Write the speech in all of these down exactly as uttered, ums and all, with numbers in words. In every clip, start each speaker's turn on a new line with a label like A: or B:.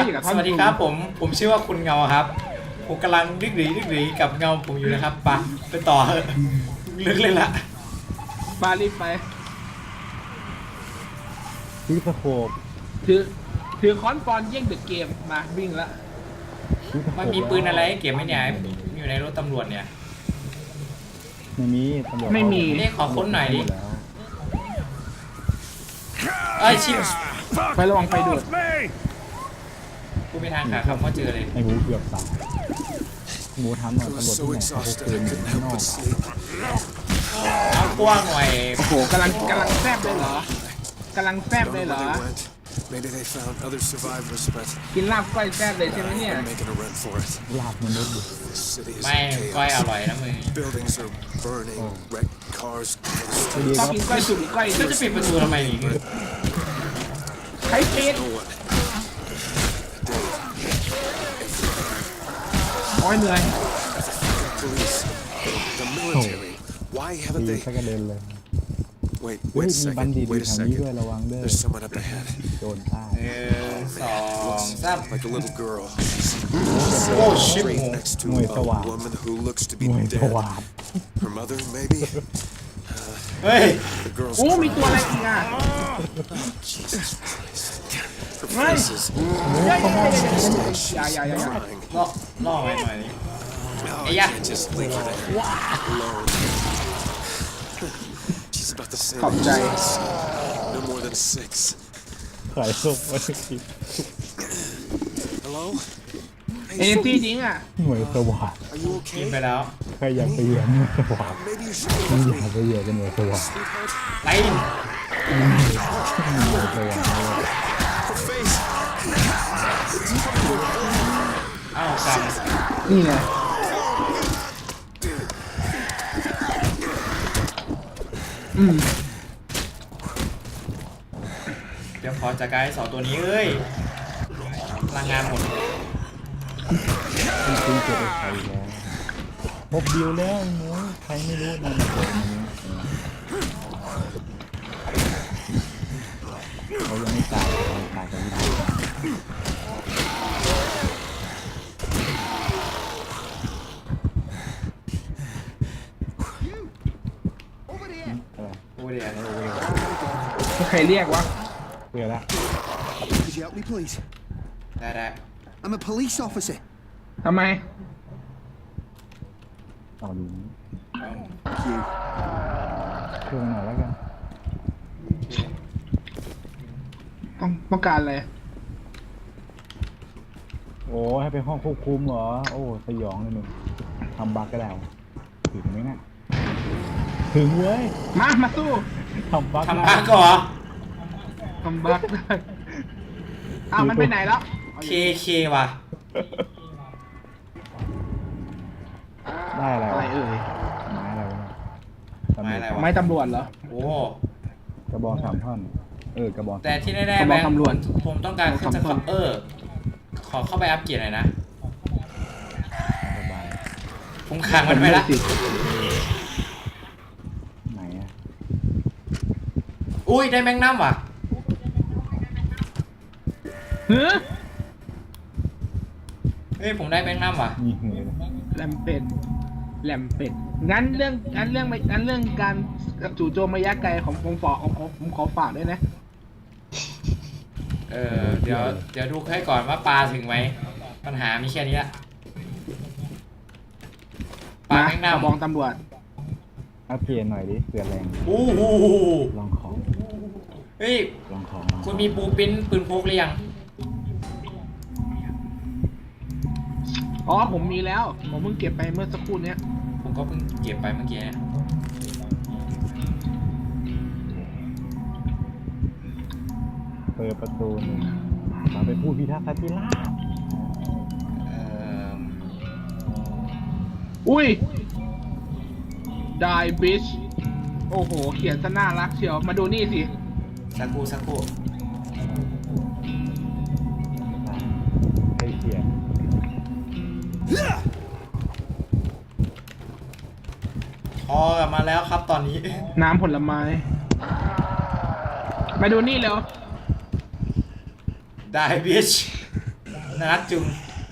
A: สวัสดีครับผมผมชื่อว่าคุณเงาครับผมกำลังดึกดีดึกดีกับเงาผมอยู่นะครับไปไปต่อลึกเลยละ
B: ปารีบไป
C: ที่สโคป
B: ถือถือค้อนปอนเย่งเดอะเกมมาวิ่งละ
A: มันมีปืนอะไรเก็บไหมเนี่ยอยู่ในรถตำรวจเนี่ย
C: ไม่มีตำรวจ
B: ไม่มี
A: นี่ขอค้นหน่อยดิไอ้ชิบ
B: ไประวังไฟดูด
A: กูไม่ทางขาคำว่าเจอเลย
C: ไอ้หมูเกือบตายหมูทำหน่อยตำรวจที่ไหนเขาเกินอยู่ข้างนอก
A: เอากว้างหน่อย
B: โอ้โหกำลังกำลังแซบเลยเหรอกำลังแซบเลยเหรอกินลาบก้อยแซบเลยใช่ไหมเนี่ย
C: ลาบมันลดอยู่
A: ไม่ก้อยอร่อยนะมึง
B: ชอบกินก้อยสุกก้อย
A: ก็จะปิดประตูทำไมนี่
B: ใครปิดโอ้ยเหนื่อย
C: ตีสักกระเด็นเลยเฮ้ยมีบัณฑิตอยู่ทางนี้ด้วยระวังเด้อโดนฆ่า
A: เออสองสามโอ้ชิบ
C: หน่วยสว่างหน่วยสว่าง
A: เฮ้ย
B: โอ้มีตัวอะไรอีกอ่ะไม่อย่าอย่าอย่าอย่า
A: ล่อล่อไว้หน่อยนี่ไอ้ยะ
B: ขอบใจ
C: ขายส้มไว้กิน
B: เอเนจีจริงอ่ะ
C: หน่วยสว่าง
A: กินไปแล้ว
C: ใครอยากไปเหยียบหน่วยสว่างไม่อยากไปเหยียบกันหน่วยสว่าง
A: ไป
C: หน่วยสว่าง
A: อ้าวกรรม
B: นี่ไงอืม
A: เดี๋ยวขอจัดการสองตัวนี้เอ้ยพลังงานหมด
C: คุณคุณจะไปใครแล้วพบดิวแล้วหนูใครไม่รู้นะเขายังไม่ตายเขาตายกันไม่ได้
A: โอ้เดี๋ยว
B: ใครเรียกวะ
C: เรียกแล้ว
A: ได้ได้
D: I'm a police officer
B: ทำไม
C: ต่อดูเครื่องหน่อยแล้วกัน
B: ต้องต้องการอะไร
C: โอ้ให้ไปห้องควบคุมเหรอโอ้สยองเลยหนึ่งทำบักก็แล้วถึงไหมนะถึงเว้ย
B: มามาสู้
C: ทำบัก
A: ทำบักก่อน
B: ทำบักได้อ้าวมันไปไหนแล้ว
A: เคเคว่ะ
C: ได้อะไร
B: อะไรเอ่ย
C: ไม้อะไรวะ
A: ไม้อะไรวะ
B: ไม้ตำรวจเหรอ
A: โอ้
C: กระบอกสามท่อนเออกระบอก
A: แต่ที่แน่ๆแบงค์ผมต้องการขึ้นจะเออขอเข้าไปอัพเกียร์หน่อยนะผมขังมันไปละ
C: ไหนอ่ะ
A: อุ้ยได้แมงน้ำว่ะ
B: เฮ้ย
A: เฮ้ยผมได้แมงน้ำว่ะ
B: แลมเป็ดแลมเป็ดงั้นเรื่องงั้นเรื่องงั้นเรื่องการจู่โจมระยะไกลของผมฝากของผมขอฝากด้วยนะ
A: เออเดี๋ยวเดี๋ยวดูให้ก่อนว่าปลาถึงไหมปัญหามีแค่นี้ละ
B: ปลาแมงน้ำบองตำรวจ
C: อัพเกียร์หน่อยดิเสือแรง
A: โอ้โห
C: ลองของ
A: เฮ้ย
C: ลองของ
A: คุณมีปูปิ้นปืนพกหรือยัง
B: อ๋อผมมีแล้วผมเพิ่งเก็บไปเมื่อสักครู่นี้
A: ผมก็เพิ่งเก็บไปเมื่อกี้เนี่ย
C: เปิดประตูหนึ่งมาเป็นผู้พิทักษ์สันติราษฎร์
B: อุ้ยได้บิชโอ้โหเขียนซะน่ารักเชียวมาดูนี่สิ
A: สักครู่สักครู่
C: ให้เขียน
A: พอกลับมาแล้วครับตอนนี้
B: น้ำผลไม้มาดูนี่เร็ว
A: ได้บิชน่ารักจุง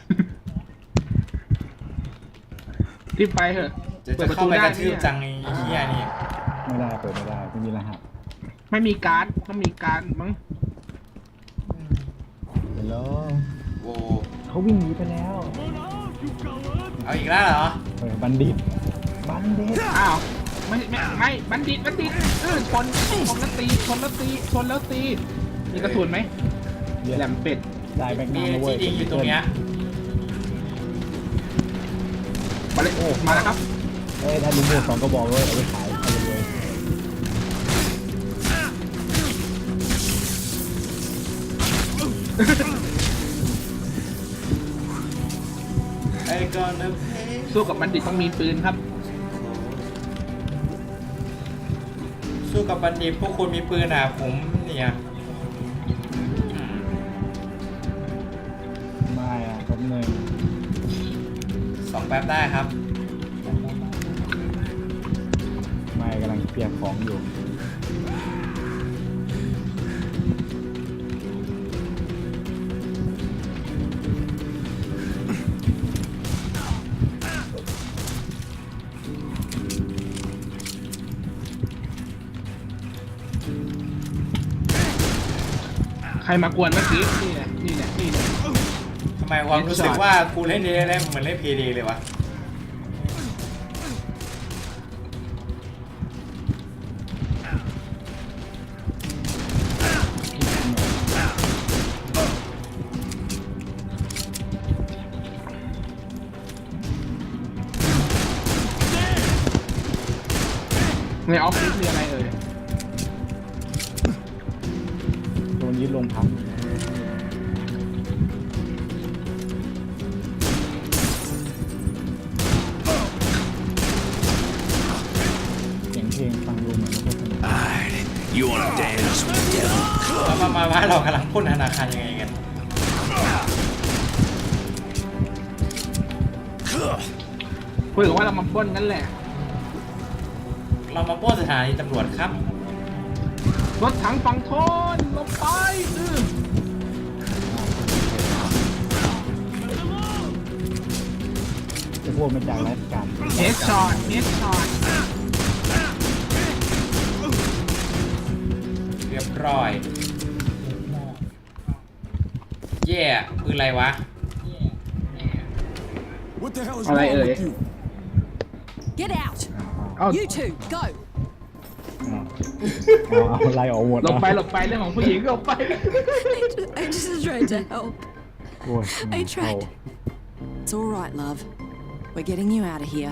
B: รีบไปเถอะ
A: จะจะเข้าไปกระทืบจังไอ้เหี้ยนี่
C: ไม่ได้เปิดไม่ได้ไม่มีรหัส
B: ไม่มีการ์ดต้องมีการ์ดมั้ง
C: ฮัลโหล
A: โว้
C: เขาวิ่งหนีไปแล้ว
A: เอาอีกแล้วเหรอ
C: เออบัณฑิตบัณฑิต
B: อ้าวไม่ไม่ไม่บัณฑิตบัณฑิตเออชนชนแล้วตีชนแล้วตีชนแล้วตีมีกระสุนไหมแหลมเป็ด
C: ได้แบงค์
A: มี
C: น้ำแล้วเว้
A: ที่
C: ย
A: ดิงอยู่ตรงเนี้ย
B: มาเลยโอ้มาแล้วครับ
C: เอ้ยถ้าลุงหมดสองก็บอกเลยเอาไปขายเอาไปเลย
A: ไอ้ก่อนนะเพ
B: สู้กับบัณฑิตต้องมีปืนครับ
A: สู้กับบัณฑิตพวกคุณมีปืนอ่ะผมเนี่ยอืม
C: ไม่อ่ะแป๊บนึง
A: สองแป๊บได้ครับ
C: ไม่กำลังเคลียร์ของอยู่
B: ใครมากวนเมื่อกี้นี่แหละนี่แหละนี่แหละ
A: ทำไมความรู้สึกว่ากูเล่นเดย์เล่นเหมือนเล่นเพย์เดย์เลยวะ
B: ในออฟฟิศมีอะไรเอ่ย
C: โดนยึดโรงพักเสียงเพลงฟังดูเหมือนไม่ค่อยสนุก
E: Alright, you wanna dance with the devil?
A: มามามาว่าเรากำลังพ่นธนาคารยังไงกัน
B: คุยกันว่าเรามาปล้นนั่นแหละ
A: เรามาปล้นสถานีตำรวจครับ
B: รถถังฝั่งทนลงไปอื้อ
C: ไอ้พวกมาจากราชการ
B: เฮดช็อตเฮดช็อต
A: เรียบร้อย เย่ปืนอะไรวะ
E: What the hell is
B: อะไร
E: wrong
B: เอ่ย
E: with you?
F: Get out!
B: เอา
F: You two, go!
C: เอาเอาเอาไล่ออกหมด
B: หลบไปหลบไปเรื่องของผู้หญิงหลบไป
F: I just, I just tried to help.
C: โอ้ย
F: I tried. It's all right, love. We're getting you out of here.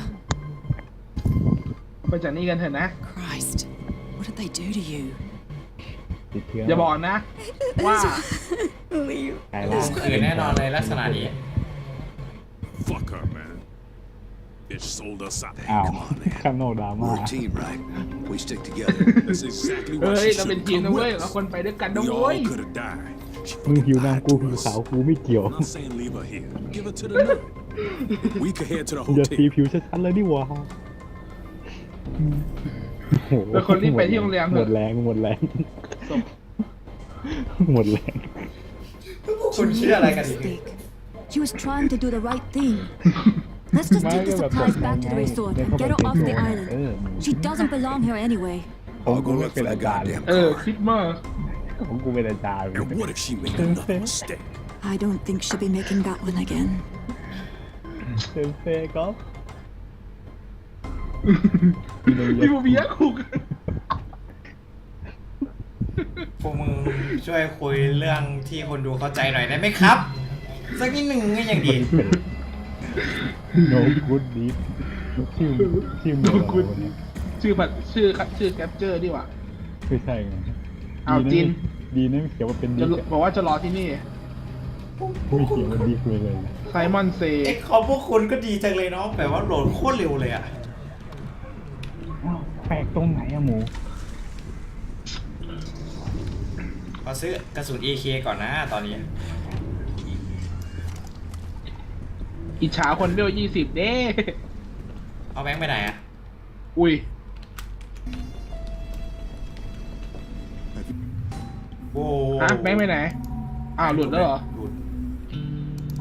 B: ไปจากนี่กันเถอะนะ
F: Christ, what did they do to you?
C: ติดเชื้อ
B: อย่าบอกนะ ว่า
F: Leave.
C: ไก่ล่าง
A: คือแน่นอนเลยลักษณะนี้
E: Fuck her, man. Bitch sold us out.
C: อ้าวข้างนอกดราม่า
D: We're a team, right? We stick together.
E: That's exactly
B: เฮ้
E: why
B: ย
E: she
B: เราเป็น
E: should
B: ทีม
E: come
B: นะเว้ย
E: with
B: เรา
E: us.
B: คนไปด้วยกันนะ
E: We
B: เว้ย
E: all could have died. She
C: มึง
E: fucking
C: หิว
E: lied
C: น้ำกู
E: to
C: หิว
E: us.
C: ขาวกูไม่เกี่ยว
E: I'm not saying leave her here. Give her to the nurse. We could head to the
C: อย่าสี
E: hotel.
C: ผิวชัดๆเลยดิวะโอ้โห
B: แล้วคนรีบไปที่โรงแรมเถ
C: หม
B: อะ
C: ดแรงหมดแรง
B: ศพ
C: หมดแรง
A: คุณเชื่ออะไรกันอีก
G: Mistake. She was trying to do the right thing. Let's just
C: ไม่
G: take
C: ก็
G: the
C: แบบ
G: supplies
C: บอก
G: back to the
C: ไง
G: resort
C: เดิน
G: and
C: เข้าไป
G: get her
C: เป็น
G: off
C: โจ
G: the
C: ร
G: island.
C: เออ
G: She doesn't belong here anyway.
C: ผม
D: I'll
C: กู
D: go
C: ไม่
D: look
C: เป็น
D: for
C: อา
D: that
C: จารย์
D: goddamn
B: เออ
D: car.
B: คิดมาก
C: ของกูเป็นอาจารย์
E: And what if she made another mistake?
G: I don't think she'll be making that one again.
C: เซนเซ่ก็
B: พี่บูเบียคุก
A: พวกมึงช่วยคุยเรื่องที่คนดูเข้าใจหน่อยได้ไหมครับ สักนิดหนึ่งก็ยังดี
C: โนกูดดีชื่อชื่อมึง
B: No
C: อะไร
B: good
C: วะเนี่ย
B: ชื่อผัดชื่อชื่อแคปเจอร์ดีกว่า
C: ไม่ใช่ไง
B: อ้าวจิน
C: ดีนะไม่เขียนว่าเป็น
B: จะ
C: ดิก
B: บอกว่าจะรอที่นี่
C: ไม่เขียนว่าดิกเลยเลย
B: ไซมอนเซ
A: เอ็กของพวกคุณก็ดีจังเลยเนาะแบบว่าโหลดโคตรเร็วเลยอะ
C: อ้าวแปลกตรงไหนอะหมู
A: ขอซื้อกระสุน เอ เค ก่อนนะตอนนี้
B: อิจฉาคนเวลยี่สิบเด้
A: เอาแบงค์ไปไหนอะ
B: อุ้ย
A: โอ้
B: ฮะแบงค์ไปไหน อ้าวหลุดแล้วเหรอ
A: หลุด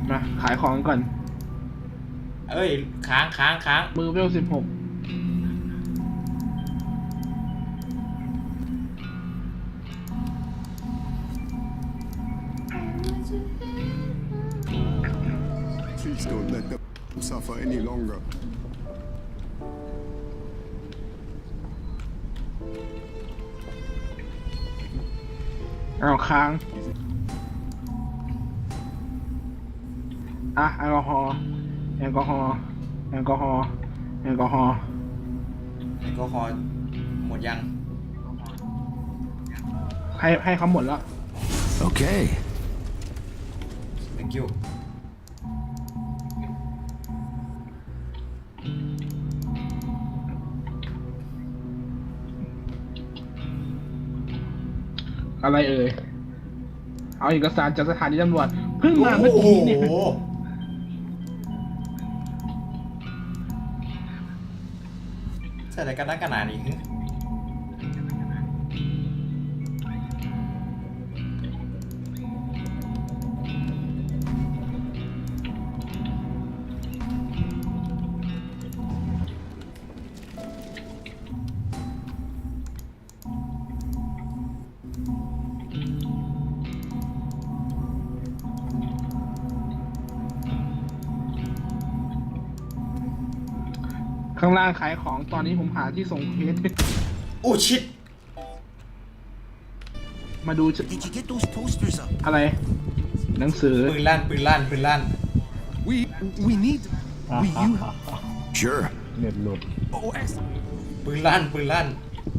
B: มาขายของก่อน
A: เอ้ยค้างค้างค้าง
B: มือเวลสิบหก
H: Please don't let them suffer any longer.
B: เอาค้าง อ่ะแอลกอฮอล์แอลกอฮอล์แอลกอฮอล์แอลกอฮอล์
A: แอลกอฮอล์หมดยัง
B: ให้ให้เขาหมดแล้ว
D: Okay.
A: thank you
B: อะไรเอ่ย เอาเอกสารจากสถานีตำรวจเพิ่งมาเมื่อกี้เนี่ย
A: โอ้โหใส่อะไรกันนักกันหนานี่
B: ข้างล่างขายของตอนนี้ผมหาที่ส่งเคส
A: โอ้ชิต
B: มาดู
D: Did you get those posters up?
B: อะไร หนังสือ
A: ปืนลั่นปืนลั่นปืนลั่น
D: We we need. We you. Sure.
C: เน็ตหลุด
D: Oh, excellent.
A: ปืนลั่นปืนลั่น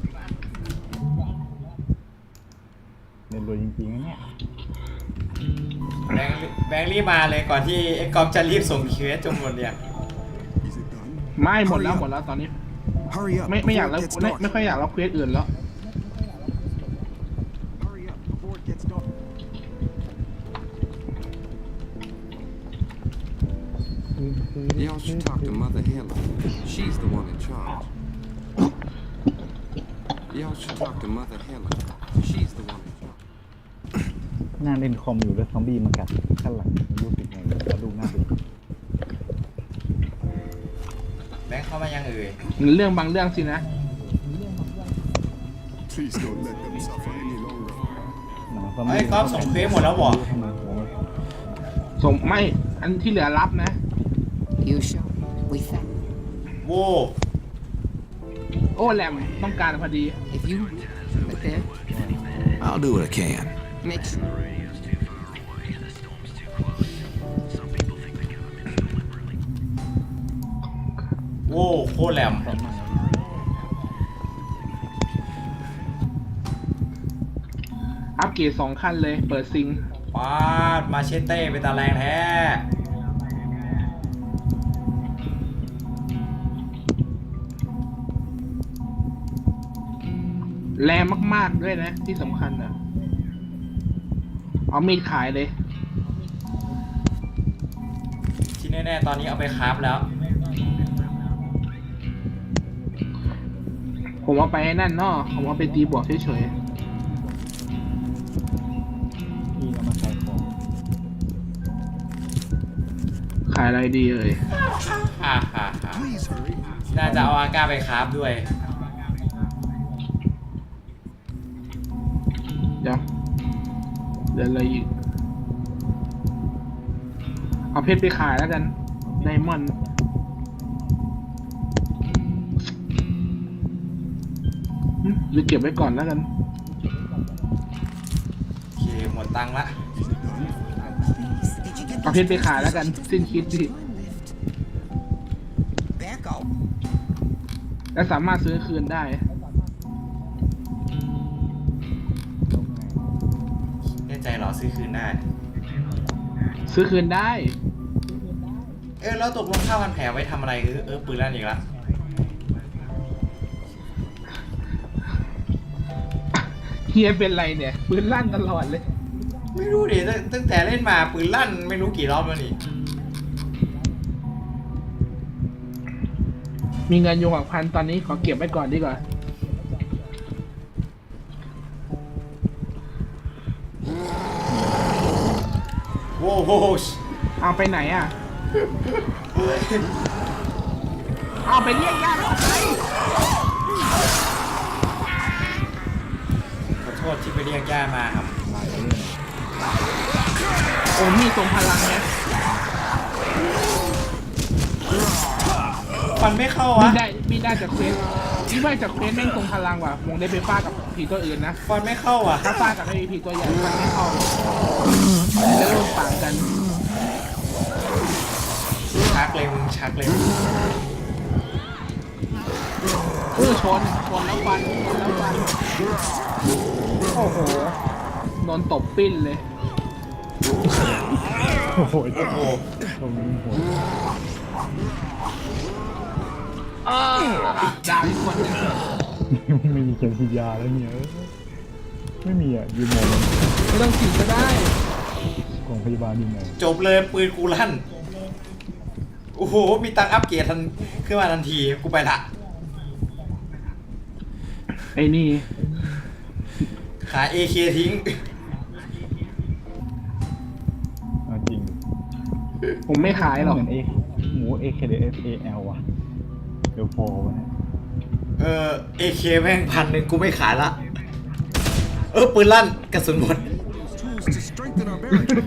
C: เน็ตหลุดจริงๆนะเนี่ย
A: แบงค์แบงค์รีบมาเลยก่อนที่ไอ้กอฟจะรีบส่งเควสจนหมดเนี่ย
H: Is it done?
B: ไม่หมดแล้วหมดแล้วตอนนี้
D: Hurry up.
B: ไม่ไม่อยาก
D: before
B: แล้ว
D: it gets
B: ไม่
D: dark.
B: ไม่ค่อยอยากรับเควสอื่นแล้ว
H: Hurry up before it gets dark.
I: Y'all should talk to Mother Helen. She's the one in charge. Y'all should talk to Mother Helen. She's the one in charge.
C: นั่งเล่นคอมอยู่แล้วซอมบี้มากัดข้างหลังรู้สึกไงกระดูกหน้าดู
A: แบงค์เข้ามายังเอ่ย
B: เรื่องบางเรื่องสินะ
H: Please don't let them suffer any longer.
C: หนังซอม
A: เฮ้
C: บี้
A: ยกอฟส่งเควสหมดแล้วเหรอ
C: ทำไมโอ้ย
B: ส่งไม่ อันที่เหลือรับนะ
F: You sure? We think.
A: โว้
B: โอ้แหลมต้องการพอดี
F: If you but then
D: I'll do what I can.
F: make sure.
A: โว้โคตรแหลม
B: อัปเกรดสองขั้นเลย เปิดซิง
A: ปาดมาเชเต้เป็นตาแรงแท้
B: แรงมากๆด้วยนะ ที่สำคัญนะเอามีดขายเลย
A: ที่แน่ๆตอนนี้เอาไปคราฟแล้ว
B: ผมเอาไปนั่นเนาะผมเอาไปตีบวกเฉย
C: พี่เอามาขายของ
B: ๆ ขายอะไรดีเอ่ย
A: ฮ่าฮ่าฮ่า
H: Please hurry.
A: น่าจะเอาอาก้าไปคราฟด้วย
B: เดี๋ยวเดี๋ยวอะไรอีก เอาเพชรไปขายแล้วกัน ไดมอนด์หึหรือเก็บไว้ก่อนแล้วกัน
A: โอเค หมดตังค์ละ
H: Is it done?
D: Did you get
B: เอาเพชรไปขายแล้วกัน สิ้นคิดดิ
D: back out?
B: และสามารถซื้อคืนได้
A: แน่ใจเหรอซื้อคืนได้
B: ซื้อคืนได้
A: เออแล้วตกลงข้าวพันแผลไว้ทำอะไรเออเออปืนลั่นอีกละ
B: เฮียเป็นไรเนี่ย ปืนลั่นตลอดเลย
A: ไม่รู้ดิตั้งตั้งแต่เล่นมาปืนลั่นไม่รู้กี่รอบแล้วนี่
B: มีเงินอยู่หกพันตอนนี้ขอเก็บไว้ก่อนดีกว่า
A: โว้โห
B: เอาไปไหนอ่ะ เอาไปเรียกญาติออกไป
A: ขอโทษที่ไปเรียกย่ามาครับ
C: มาเรื่อง
B: โอ้มีทรงพลังเนี่ย
A: ฟันไม่เข้า
B: มี
A: วะ
B: ได้มีได้จากเควสมีได้จากเควสแม่งทรงพลังว่ะมงได้ไปฟาดกับผีตัวอื่นนะ
A: ฟันไม่เข้าอ่ะ
B: ถ้าฟาดกับไอ้ผีตัวใหญ่มันไม่เข้าแล้วโดนปางกัน
A: ชักเลยมึงชักเลย
B: เออชนชนแล้วฟันชนแล้วฟันโอ้โหนอนตบปิ้นเลย
C: โอ้โห
A: โอ้โห
C: ตรงนี้โหด
B: เออดาวอีกคนหนึง
C: ไม่มีเข็มฉีดยาแล้วเนี่ยเออไม่มีอ่ะยืมมอง
B: ไม่ต้องฉีดก็ได้
C: กองพยาบาลยืมมอง
A: จบเลยปืนกูลั่น โอ้โห มีตังค์อัปเกรดทันขึ้นมาทันที กูไปละ
B: ไอ้นี่
A: ขาย เอ เค ทิ้ง
C: เอาจริง
B: ผมไม่ขายหรอก
C: เหมือนเอหมู เอ เค เด เอส เอ แอล ว่ะเดี๋ยวพอวะเนี่ย
A: เออ เอ เค แม่งพันหนึ่งกูไม่ขายละ เออ ปืนลั่นกระสุนหมด
H: Tools to strengthen our barricade.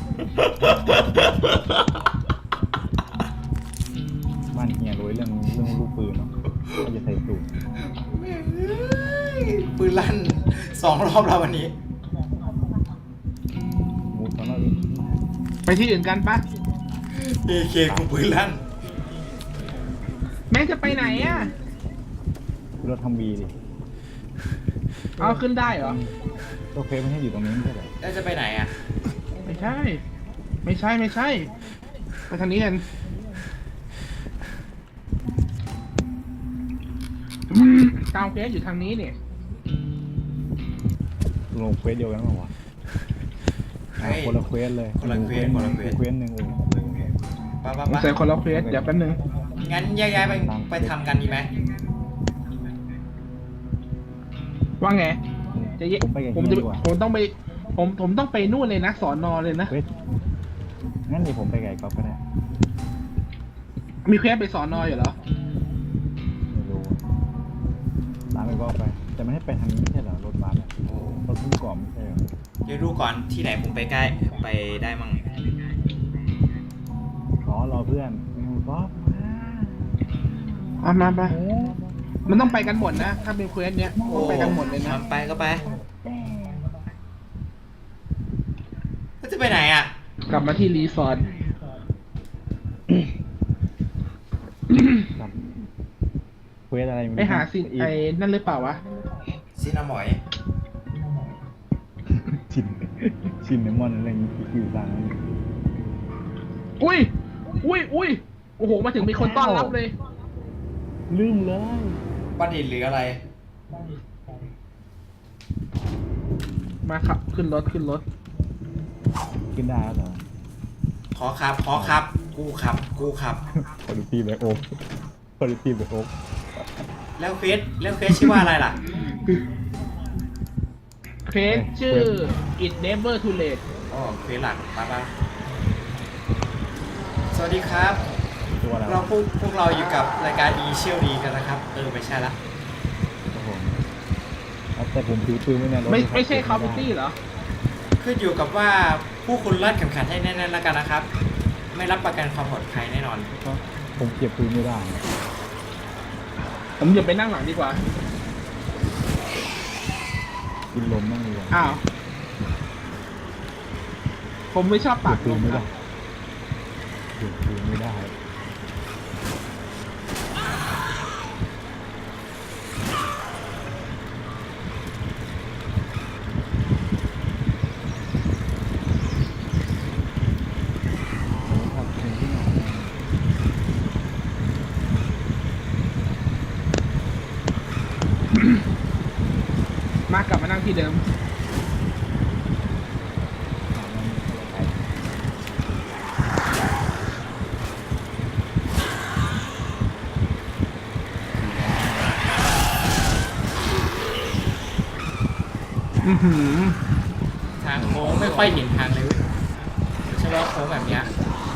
C: บ้านเฮียรวยเรื่องเรื่องลูกปืนเนาะก็จะใส่สูตร
A: ปืนลั่นสองรอบแล้ววันนี้
C: หมูตอนนั้น
B: ไปที่อื่นกันปะ
A: เอ เค กูปืนลั่น
B: แม่งจะไปไหนอ่ะ
C: เราทำบีดิ
B: เอาขึ้นได้เหรอ
C: ตัวเฟซมันให้อยู่ตรงนี้ไม่ใช่เหรอ
A: แล้วจะไปไหนอ่ะ
B: ไม่ใช่ ไม่ใช่ไม่ใช่ ไปทางนี้กันกาวเฟสอยู่ทางนี้เนี่ย
C: ลงเควสเดียวกันเปล่าวะ
A: เฮ้ย
C: คนละเควสเลย
A: คนละเควสคนละเควส
C: เควสหนึ่งเออ
A: ป้าป้า
B: ผม
A: ป้า
B: ใส่คนละเควสเดี๋ยวแป๊บนึง
A: งั้นแยกย้ายไปไปทำกันดีไหม
B: ว่าไง จะเย
C: ผมไปกับ
B: ผม
C: เฮี
B: จะ
C: ยดีกว่า
B: ผมต้องไป ผมผมต้องไปนู่นเลยนะสอนอเลยนะ
C: เควสงั้นเดี๋ยวผมไปกับไอ้ก๊อฟก็ได้
B: มีเควสไปสอนออยู่เหรอ
C: ไม่รู้ตามไปก็ไป แต่ไม่ให้ไปทางนี้ไม่ใช่เหรอรถบัสอะ
A: โอ้
C: รถพุ่งก่อนไม่ใช่เหรอ
A: เดี๋ยวดูก่อนที่ไหนผมไปใกล้ไปได้มั่ง
C: อ๋อรอเพื่อนก๊อฟมา
B: เอามาไป
C: โอ้
B: มันต้องไปกันหมดนะ ถ้าเป็นเควสเนี้ยต้องไปกันหมดเลยนะ
A: มันไปก็ไปแล้วจะไปไหนอ่ะ
B: กลับมาที่รีสอร์ท
C: ครับเควสอะไรม่รู้
B: ไปหาซินไอ้นั่นหรือเปล่าวะ
A: ซินนาหมอย
C: ชินชินเนมอนอะไรอย่างงี้อยู่ต่างนั้น
B: อุ้ย อุ้ยอุ้ยโอ้โห มาถึงมีคนต้อนรับเลย
C: ลืมเลย
A: บัณฑิตหรืออะไร
B: มาขับขึ้นรถขึ้นรถ
C: ขึ้นได้แล้วเหรอ
A: ขอขับ ขอขับ กูขับ กูขับ
C: คอร์ดิตี้แบ็คโอ๊กคอร์ดิตี้แบ็คโอ๊ก
A: แล้วเฟสแล้วเฟสชื่อว่าอะไรล่ะ
B: เควสชื่อ it never too late
A: อ๋อเฟสหลักป้าป้าสวัสดีครับ
C: ตัวอะไร
A: เราพวกพวกเราอยู่กับรายการดีเชี่ยวดีกันนะครับ เออ ไม่ใช่ละ
C: ครับผมเอาแต่ผมถือปืนไว้ในรถ
B: ไม่ไม่ใช่ Call of Duty เหรอ
A: ขึ้นอยู่กับว่าผู้คุณรัดเข็มขัดให้แน่นๆแล้วกันนะครับ ไม่รับประกันความปลอดภัยแน่นอน
C: ผมเก็บปืนไม่ได้
B: ผมอย่าไปนั่งหลังดีกว่า
C: กินลมบ้างดีกว่า
B: อ้าว ผมไม่ชอบ
C: เก็
B: ปา
C: บ
B: ก
C: ปื
B: ล
C: น
B: ม
C: ไม่
B: ค
C: ได้
B: รับ
C: เก็บปืนไม่ได้ครับถึงที่ไหน
B: มากลับมานั่งที่เดิม อือหือ
A: ทางโค้งไม่ค่อยเห็นทางเลยเว้ยใช่ไหมโค้งแบบเนี้ย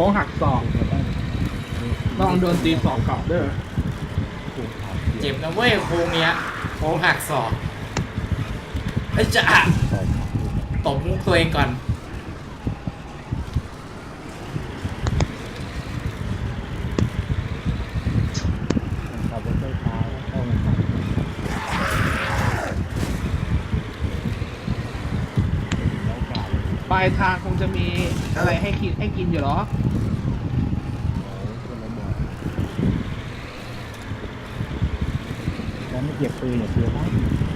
B: ค้งหักศอกลองโดนตีศอกกลับเด้อ
A: เจ็บนะเว้ยโค้งเนี้ยโค้งหักศอกไอ้ยจะอะตบมุกตัวเองก่อน
C: ขับรถไฟฟ้าเข้ามาขับ
B: ปลายทางคงจะมีอะไรให้กินให้กินอยู่หรอ
C: แล้วไม่เก็บปืนเนี่ยเพื่อว่า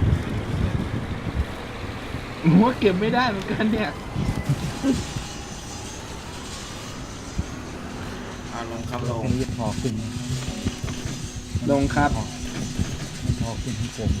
B: ผมว่าเก็บไม่ได้เหมือนกันเนี่ย
A: เอาลงครับลง
C: แค่นี้พอขึ้น
B: ลงครับ
C: พอขึ้นที่ผมเลย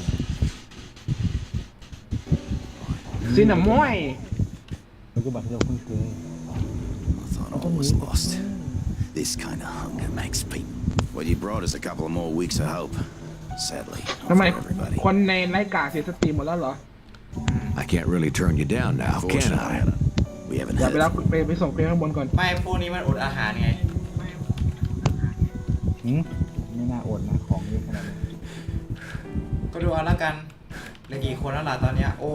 B: ซินนามอย
C: แล้วก็บัตรที่เราเพิ่งซื้อ
H: I thought all was lost. This kind of hunger makes people. What you brought is a couple of more weeks of hope. Sadly,
B: ทำไม
H: not for everybody.
B: คนในไลฟ์การ์ดเสียสตรีมหมดแล้วเหรอ
I: I can't really turn you down now, can I?
H: We haven't
B: อย่า
H: had
B: ไปรับไปไปส่งเพลงข้างบนก่อน
A: ไม่พวกนี้มันอดอาหารไง
C: หืมไม่น่าอดนะของเยอะขนาดนี้
A: ก็ดูเอาละกันเหลือกี่คนแล้วล่ะตอนเนี้ยโอ้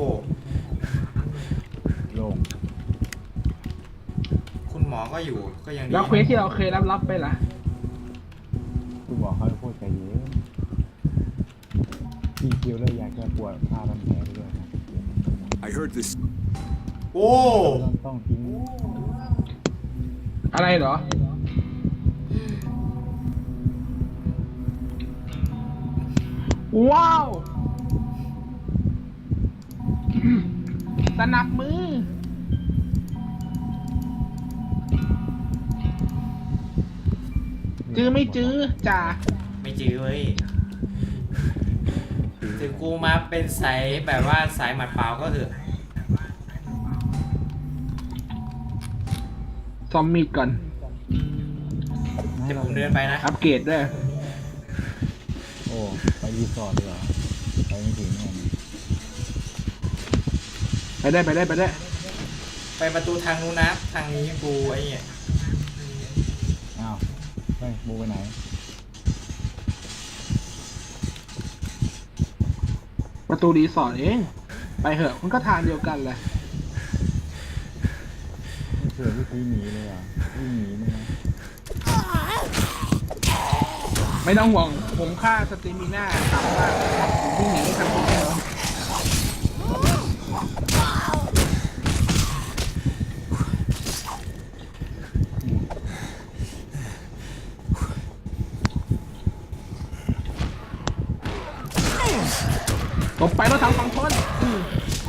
C: โล่ง
A: คุณหมอก็อยู่ก็ยังดี
B: แล้วเควสที่เราเคยรับรับไปล่ะ
C: คุณหมอเขาพูดใจเย็นพี่คิวเลยอยากจะปวดผ้าพันแผลไปด้วยนะ
E: I heard this.
A: โอ้
C: ต้องต้องทิ้ง
B: อะไรเหรอ ว้าว สนับมือ จื้อไม่จื้อจ่า
A: ไม่จื้อเว้ยถึงกูมาเป็นสายแบบว่าสายหมัดเปล่าก็เถอะ
B: ซอมมีดก่อน
A: เดี๋ยวผมเดินไปนะ
B: อัปเกรดด้วย
C: โอ้ไปรีสอร์ทเลยเหรอไปไม่ถึงแน่นะ
B: ไปได้ไปได้ไปได้
A: ไปประตูทางนู้นนะทางนี้กูไอ้เนี่ย
C: อ้าวไปมูไปไหน
B: ประตูรีสอร์ทเอง ไปเหอะมันก็ทางเดียวกันแหละ
C: ไม่เคยวิธีหนีเลยเหรอวิ่งหนีมั้ยนะ
B: ไม่ต้องห่วง ผมฆ่าสตรีมิน่าสามารถวิ่งหนีได้ทันทีแน่นอนตบไปแล้วทั้งสองคนอืม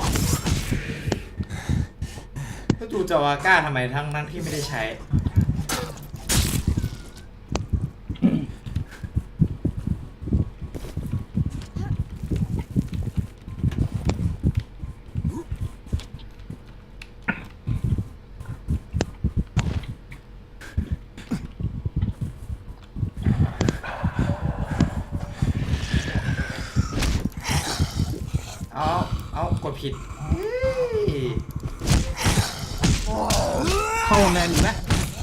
A: ก็ดูจาวาก้าทำไมทั้งนั้นที่ไม่ได้ใช้ เอาเอากดผิดเฮ้ย
B: เข้าแมนอยู่นะ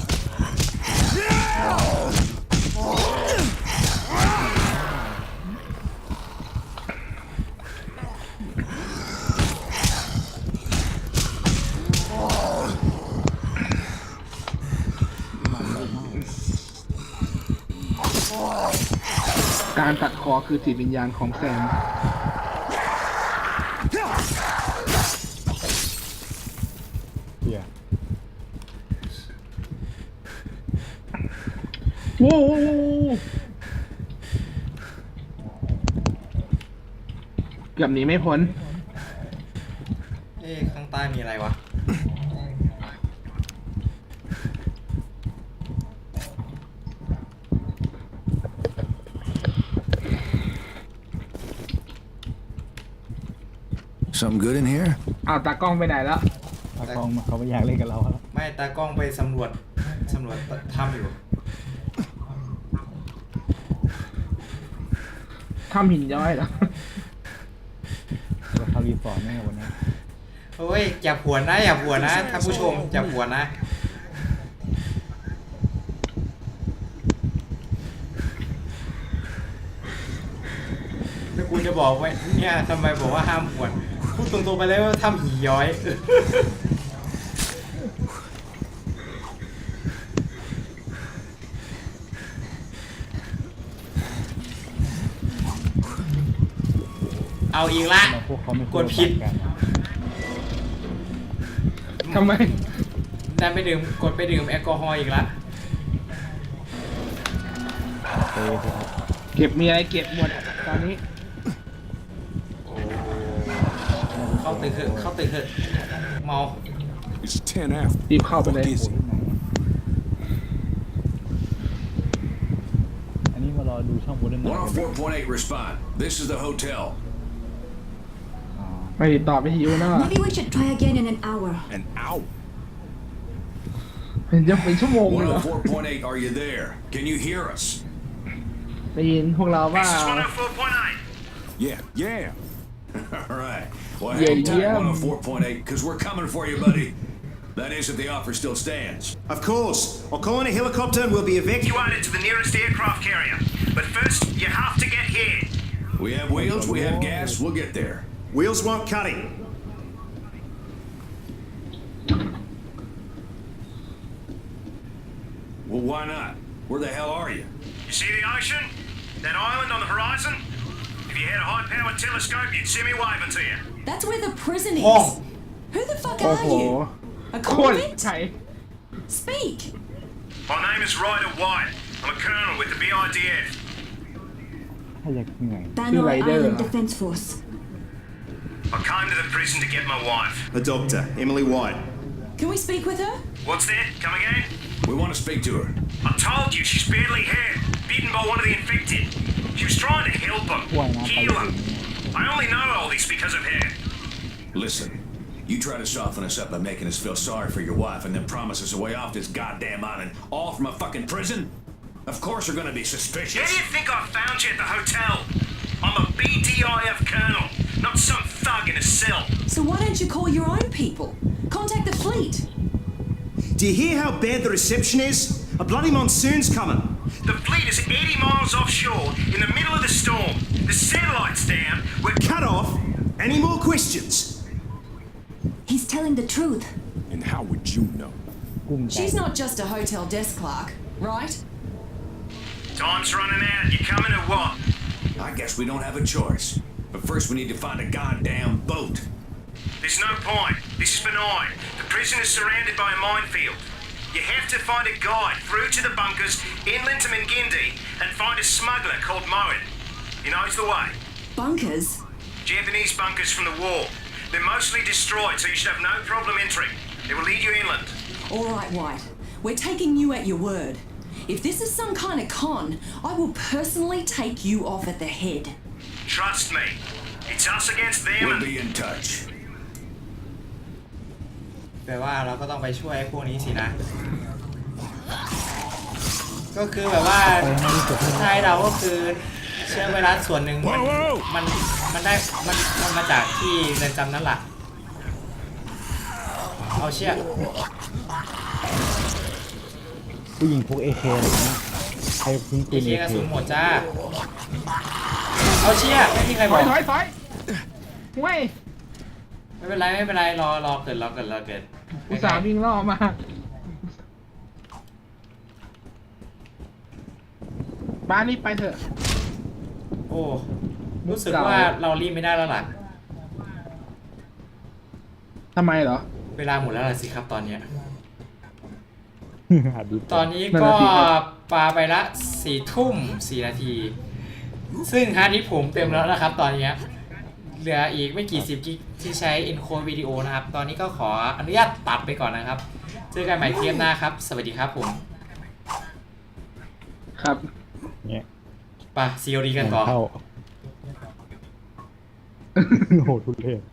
B: การตัดคอคือจิตวิญญาณของแซม
C: เฮีย
B: โว้วเกือบหนีไม่พ้น
A: เอ๊ะข้างใต้มีอะไรวะ
H: Something good in here?
B: อ้าวตากล้องไปไหนแล้ว
C: ตากล้องเขาไม่อยากเล่นกับเราแล้ว
A: ไม่ตากล้องไปสำรวจสำรวจถ้ำอยู่
B: ทำหินย้อยเหรอ
C: เราเข้ารีสอร์ทแน่วันนี้
A: เฮ้ยอย่าผวนนะอย่าผวนนะท่านผู้ชมอย่าผวนนะแล้วกูจะบอกไว้เนี่ยทำไมบอกว่าห้ามปวดพูดตรงๆไปเลยว่าทำหีย้อย เอาอีกละ
C: พวกเขาไม่
A: กดผิด
C: กัน
B: ทำไม
A: ได้ไปดื่มกดไปดื่มแอลกอฮอล์อีกละ
C: เต้ครับ
B: เก็บมีอะไรเก็บหมดอะตอนนี้
A: เข้าตึกเถอะเข้าตึกเถอะเมา
E: It's ten after.
B: รีบเข้าไปเลย
E: What is it?
C: อันนี้มารอดูช่องบูเดนไนท์
H: one oh four point eight respond. This is the hotel.
C: อ๋อ
B: ไม่ติดต่อไปหิวนะ
G: Maybe we should try again in an hour.
E: An hour.
B: เป็นจะเป็นชั่วโมงเลยเหรอ
H: one oh four point eight, are you there? Can you hear us?
B: ได้ยินพวกเราว่า
E: Yeah, yeah.
H: All right. Well,
B: Yeah,
H: hang tight,
B: yeah.
H: one oh four point eight, because we're coming for you, buddy. That is, if the offer still stands.
J: Of course. I'll call in a helicopter and we'll be evacuated to the nearest aircraft carrier. But first, you have to get here.
H: We have wheels, we have gas, we'll get there.
J: Wheels won't cut it.
H: Well, why not? Where the hell are you?
J: You see the ocean? That island on the horizon? If you had a high-powered telescope, you'd see me waving to you.
F: That's where the prison is.
A: Oh.
F: Who the fuck
B: โอ้
F: are
B: โห
F: you? A
B: โคตร
F: convict?
B: ไทย
F: Speak.
J: My name is Ryder White. I'm a colonel with the B I D F.
C: ถ้าอยากเหนื่อย
G: Banner
B: Rider.
G: Island Defense Force.
J: I came to the prison to get my wife. A doctor, Emily White.
F: Can we speak with her?
J: What's that? Come again?
H: We want to speak to her.
J: I told you she's badly hurt, bitten by one of the infected. She was trying to help him,
C: ว่ายน้ำไป
J: heal him. I only know all this because of her.
H: Listen, you try to soften us up by making us feel sorry for your wife and then promise us a way off this goddamn island, all from a fucking prison? Of course we're gonna be
J: How
H: suspicious.
J: do you think I found you at the hotel? I'm a B D I F colonel, not some thug in a cell.
F: So why don't you call your own people? Contact the fleet.
J: Do you hear how bad the reception is? A bloody monsoon's coming. The fleet is eighty miles offshore in the middle of the storm. The satellite's down. We're cut off. Any more questions?
G: He's telling the truth.
E: And how would you know?
C: กุ้มใจ
F: She's not just a hotel desk clerk, right?
J: Time's running out. You coming or what?
H: I guess we don't have a choice. But first we need to find a goddamn boat.
J: There's no point. This is benign. The prison is surrounded by a minefield. You have to find a guide through to the bunkers inland to Mingindi and find a smuggler called Moen. He knows the way.
F: Bunkers?
J: Japanese bunkers from the war. They're mostly destroyed, so you should have no problem entering. They will lead you inland.
F: All right, White. We're taking you at your word. If this is some kind of con, I will personally take you off at the head.
J: Trust me. It's us against them
H: We'll
J: and...
H: be in touch.
A: แปลว่าเราก็ต้องไปช่วยพวกนี้สินะ ก็คือแบบว่าใช่เราก็คือเชื้อไวรัสส่วนหนึ่งมันมันมันได้มันมันมาจากที่เรือนจำนั่นแหละเอาเชี่ย
C: ผู้หญิงพวกเอเคอะไรเงี้ยใครทิ้งปื
A: เอน เค
C: เอก
A: ระ
C: เค
A: สุนหมดจ้าเอาเชี่ยไม่มีใคร
B: ถ
A: บอ
B: อย
A: ก
B: ถอยถอยเว้ย
A: ไม่เป็นไรไม่เป็นไรรอรอเกิดรอเกิดรอเกิด
B: อุตส่าห์วิ่งล่อมาบ้านนี้ไปเถอะ
A: โอ้รู้สึกว่าเรารีบไม่ได้แล้วล่ะ
B: ทำไมเหรอ
A: เวลาหมดแล้วล่ะสิครับตอนเนี้ย
C: หาดู
A: ตอนนี้
B: นั่น
A: ก็
B: น่ะสิครับ
A: ปาไปละสี่ทุ่มสี่นาที ซึ่งฮาร์ดดิสก์ผมเต็มแล้วนะครับตอนนี้เหลืออีกไม่กี่สิบกิกที่ใช้ encode วิดีโอนะครับ ตอนนี้ก็ขออนุญาตตัดไปก่อนนะครับ เจอกันใหม่เทปหน้าครับ สวัสดีครับผม
B: ครับ
C: เนี่ย
A: ไปซีโอดีกันต่อ
C: เข้าโหทุเรศ